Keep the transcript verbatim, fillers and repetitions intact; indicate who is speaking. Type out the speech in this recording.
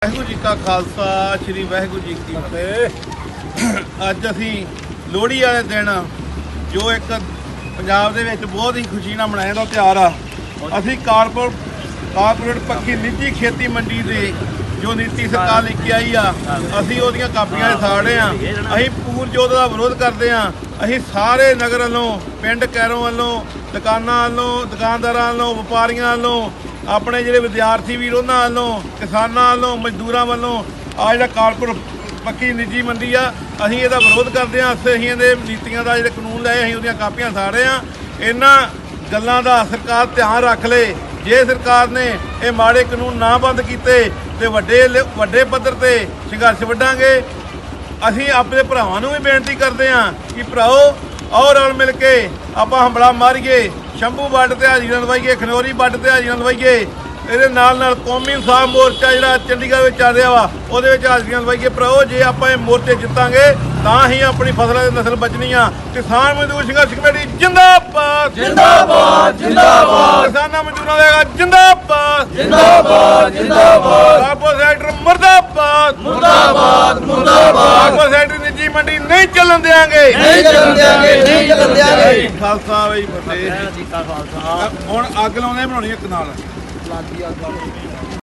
Speaker 1: ਵਾਹਿਗੁਰੂ ਜੀ ਕਾ ਖਾਲਸਾ ਸ੍ਰੀ ਵਾਹਿਗੁਰੂ ਜੀ ਕੀ ਫਤਿਹ। ਅੱਜ ਅਸੀਂ ਲੋਹੜੀ ਵਾਲੇ ਦਿਨ ਜੋ ਇੱਕ ਪੰਜਾਬ ਦੇ ਵਿੱਚ ਬਹੁਤ ਹੀ ਖੁਸ਼ੀ ਨਾਲ ਮਨਾਇਆ ਜਾਂਦਾ ਤਿਉਹਾਰ ਆ, ਅਸੀਂ ਕਾਰਪੋਰ ਕਾਰਪੋਰੇਟ ਪੱਕੀ ਨਿੱਜੀ ਖੇਤੀ ਮੰਡੀ ਦੇ ਜੋ ਨੀਤੀ ਸਰਕਾਰ ਲੈ ਕੇ ਆਈ ਆ, ਅਸੀਂ ਉਹਦੀਆਂ ਕਾਪੀਆਂ ਸਾੜੇ ਆ। ਅਸੀਂ ਪੂਰਨ ਜੋਤ ਦਾ ਵਿਰੋਧ ਕਰਦੇ ਆ। ਅਸੀਂ ਸਾਰੇ ਨਗਰ ਵੱਲੋਂ, ਪਿੰਡ ਕੈਰੋਂ ਵੱਲੋਂ, ਦੁਕਾਨਾਂ ਵੱਲੋਂ, ਦੁਕਾਨਦਾਰਾਂ ਵੱਲੋਂ, ਵਪਾਰੀਆਂ ਵੱਲੋਂ, ਆਪਣੇ ਜਿਹੜੇ ਵਿਦਿਆਰਥੀ ਵੀਰ ਉਹਨਾਂ ਵੱਲੋਂ, ਕਿਸਾਨਾਂ ਵੱਲੋਂ, ਮਜ਼ਦੂਰਾਂ ਵੱਲੋਂ ਆ ਜਿਹੜਾ ਕਾਰਪੋਰੇਟ ਪੱਕੀ ਨਿੱਜੀ ਮੰਡੀ ਆ, ਅਸੀਂ ਇਹਦਾ ਵਿਰੋਧ ਕਰਦੇ ਹਾਂ। ਅਸੀਂ ਇਹਦੇ ਨੀਤੀਆਂ ਦਾ ਜਿਹੜੇ ਕਾਨੂੰਨ ਲਏ, ਅਸੀਂ ਉਹਦੀਆਂ ਕਾਪੀਆਂ ਸਾੜੇ ਆ। ਇਹਨਾਂ ਗੱਲਾਂ ਦਾ ਸਰਕਾਰ ਧਿਆਨ ਰੱਖ ਲੇ। ਜੇ ਸਰਕਾਰ ਨੇ ਇਹ ਮਾੜੇ ਕਾਨੂੰਨ ਨਾ ਬੰਦ ਕੀਤੇ ਤੇ ਵੱਡੇ ਵੱਡੇ ਪੱਧਰ ਤੇ ਸੰਘਰਸ਼ ਵੱਢਾਂਗੇ। ਅਸੀਂ ਆਪਣੇ ਭਰਾਵਾਂ ਨੂੰ ਵੀ ਬੇਨਤੀ ਕਰਦੇ ਹਾਂ ਕਿ ਭਰਾਓ ਆਓ ਰਲ ਮਿਲ ਕੇ ਆਪਾਂ ਹੰਬਲਾ ਮਾਰੀਏ, ਸ਼ੰਭੂ ਵੱਡ ਤੇ ਹਾਜ਼ਰੀਆਂ ਲਵਾਈਏ, ਖਨੌਰੀ ਵੱਡ ਤੇ ਹਾਜ਼ਰੀਆਂ ਲਵਾਈਏ। ਇਹਦੇ ਨਾਲ ਨਾਲ ਕੌਮੀ ਇਨਸਾਫ ਮੋਰਚਾ ਜਿਹੜਾ ਚੰਡੀਗੜ੍ਹ ਵਿੱਚ ਚੱਲ ਰਿਹਾ ਵਾ, ਉਹਦੇ ਵਿੱਚ ਹਾਜ਼ਰੀਆਂ ਲਵਾਈਏ। ਭਰਾਓ ਜੇ ਆਪਾਂ ਇਹ ਮੋਰਚੇ ਜਿੱਤਾਂਗੇ ਤਾਂ ਹੀ ਆਪਣੀ ਫਸਲਾਂ ਦੀ ਨਸਲ ਬਚਣੀ ਆ। ਕਿਸਾਨ ਮਜ਼ਦੂਰ ਸੰਘਰਸ਼ ਕਮੇਟੀ ਜਿੰਦਾਬਾਦ
Speaker 2: ਜਿੰਦਾਬਾਦ ਜਿੰਦਾਬਾਦ
Speaker 1: ਕਿਸਾਨਾਂ ਮਜ਼ਦੂਰਾਂ ਦਾ ਜਿੰਦਾਬਾਦ
Speaker 2: ਜਿੰਦਾਬਾਦ ਜਿੰਦਾਬਾਦ
Speaker 1: ਕਾਰਪੋਰੇਟ ਸੈਕਟਰ ਮੁਰਦਾਬਾਦ
Speaker 2: ਮੁਰਦਾਬਾਦ ਮੁਰਦਾਬਾਦ
Speaker 1: ਕਾਰਪੋਰੇਟ ਸੈਕਟਰ ਨਿੱਜੀ ਮੰਡੀ ਨਹੀਂ ਚੱਲਣ ਦੇਵਾਂਗੇ
Speaker 2: ਨਹੀਂ ਚੱਲਣ ਦਿਆਂਗੇ ਨਹੀਂ ਚੱਲਣ ਦਿਆਂਗੇ।
Speaker 1: ਖਾਲਸਾ ਬਈ ਫਤਿਹ। ਹੁਣ ਅੱਗ ਲਾਉਂਦੇ ਬਣਾਉਣੀ ਇੱਕ ਨਾਲ।